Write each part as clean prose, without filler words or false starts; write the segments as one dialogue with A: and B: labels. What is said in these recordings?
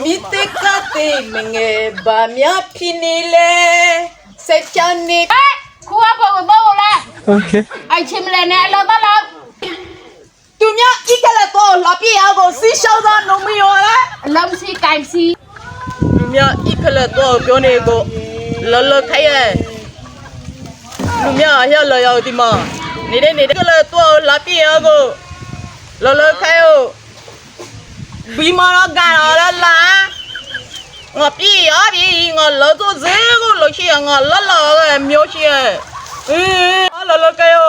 A: Mitekate mengebamya pinile sechani
B: ครัวบอกว่าบอกแล้ว
C: Okay.
B: ไอชิมเลยเนี่ยเราต้องรับ
A: tumya ikala to lapi ago si shauda no miyola
B: ลมซีไก่ซี
A: tumya ikala to pyone go lolo khaye tumya ya lo yaw ti ma nide ikala to lapi ago lolo khayo bimara ga la ngọ pi ya bi ngọ lo to ze go lo chi ngọ lo lo ge myo chi lo lo khayo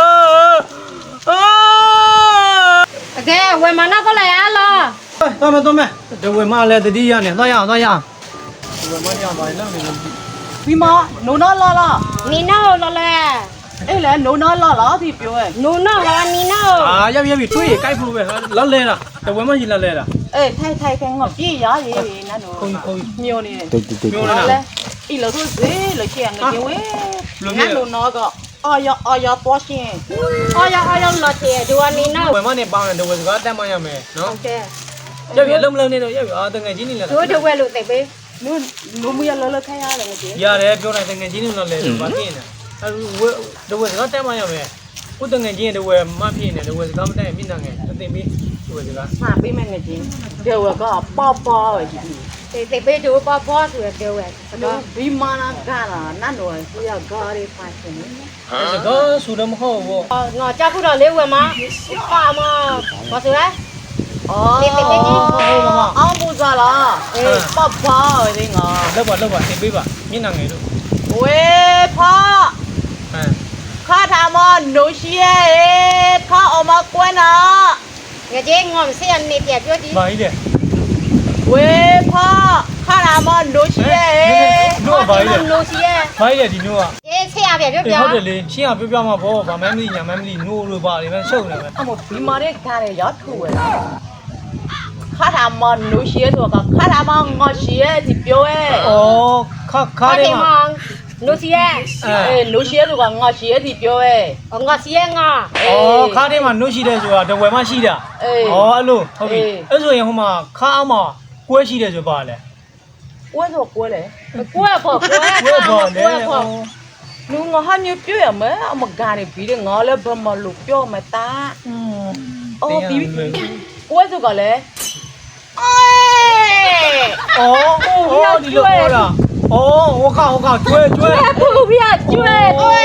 B: โอเคเว้ยมันน่าก็เลยอ่ะรอ
C: 多没，这为嘛来的地呀呢？咋样？为嘛样子那个？
A: bima no no la la
B: นีโน่รอเลย
A: အဲ့လေနိုးနာလာလာဒီပြောရဲ့
B: นูโน่รอนีโน่
C: 啊，要推，该不呗？老来了，这为嘛是老来了？
A: အေးထိုင်ခဲငါပြေးရရေးနတ်တို့
C: 空，
A: မျိုးနေတယ်
C: 没有
A: ဟာ
C: 了
A: လေ
C: 呢。
A: ဤလို့ဆိုစေလို့ရှိရင်ငါကျဝဲနတ်တို့တော့ကအာရတော့ရှင်
B: อ้อยรอเทียดูอันนีโน่
C: 为嘛呢？帮人这为这个带嘛样没？
B: โอ
C: 喏，
B: เค
C: 冷不冷的都啊，等眼睛里了。
B: ดูดูเว้ยลูกเตะไป
A: နူမရလောလခိုင်းရတယ်ငါကျ
C: 呀嘞，表来等眼睛里了来，把骗的。啊，我这为这个带嘛样没？我等眼睛这为嘛骗的？这为这个没带没那个，这等没，为这个。
A: ဟာပေးမယ်ငါကျဒီဝကပေါပေါပဲဒီ
B: เตะไปดูป้อๆဆိုရပြောเว้ย
A: တော့ဘီမာနာကလာနတ်တို့စီရဂါရီဖိုင်ရှင်
C: 这个说的不好不？
B: ငါကြောက်ခုတော့လေးဝင်မှာပါမဘာဆိုလဲ
A: အော်အောင်ပူစားလားအေးပေါပေါဒီငါ
C: လောက်ပါလောက်ပါသင်ပေးပါမျက်နှာငယ်တို့
A: ဝေဖာ
C: ဟမ်
A: ခါထာမနိုရှိရဲ့ခါအမကွဲနာ
B: ငါကြီးငေါ့ဆေးရနေပြပြောကြည့်
C: ဘာကြီးလဲ
A: ဝေဖာခါထာမနိုရှိရဲ့
C: တို့ဘာကြီးလဲ
B: လို့စီရဲ့
C: ဘာကြီးလဲဒီမျိုးက
B: အေးဆေးရပြပြော
C: ဟုတ်တယ်လေရှင်းအောင်ပြောမှာပေါ့ဗာမမ်းမသိညာမမ်းမသိနိုးလို့ပါလေမရှုပ်နေပဲ
A: အမဘီမာရဲ့ခါရဲရောက်ထူဝဲလားခါထာမနိုရှိရဲ့တော့ခါထာမငါရှိရဲ့ဒီပြောရဲ့
C: ဩခါတယ်မှာ
B: လို့စီရဲ့
A: အေးနိုရှိရဲ့တော့ငါရှိရဲ့ဒီပြောရဲ့
B: ငါစီရဲ့ငါ
C: ဩခါတယ်မှာနိုးရှိတယ်ဆိုတာတဝယ်မှရှိတာ
A: အေး
C: ဩအဲ့လိုဟုတ်ပြီအဲ့ဆိုရင်ဟိုမှာခါအောင်မှာကွဲရှိတယ်ဆိုပါလေ
A: ဝဲတော့ကွဲလေ
B: ကွဲဖို့ကွဲ
C: ကွဲပါလေ
B: ဖို့
A: လူငါဟာမျိုးပြောရမယ်အမကားနေပြီးငါလည်းဘမလို့ပြောမတာ အော်ပြီးကွဲဆိုကလည်းအေး
C: ဩဒီလိုဟောလားဩဟောခါကျွဲ
B: ဘူးပြကျွဲ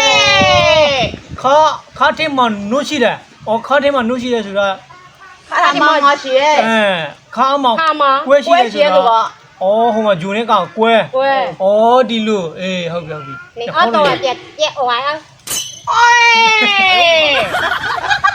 C: ခါတယ်မှာနိုးရှိတယ်ဩခါတယ်မှာနိုးရှိတယ်ဆိုတာ
A: ခါမငါရှိရဲ့
C: ခါအောင်မှာ
B: ခါမ
C: ကွဲရှိတယ်ဆိုတာ อ๋อဟိုမှာဂျိုနဲ့ကောင်ကွဲ
B: ကွဲ
C: อ๋อဒီလိုအေးဟုတ်ပြီ
B: นี่อ้อตัวเจ็ดเจ็ดเอาไว้อ่ะ
A: အေး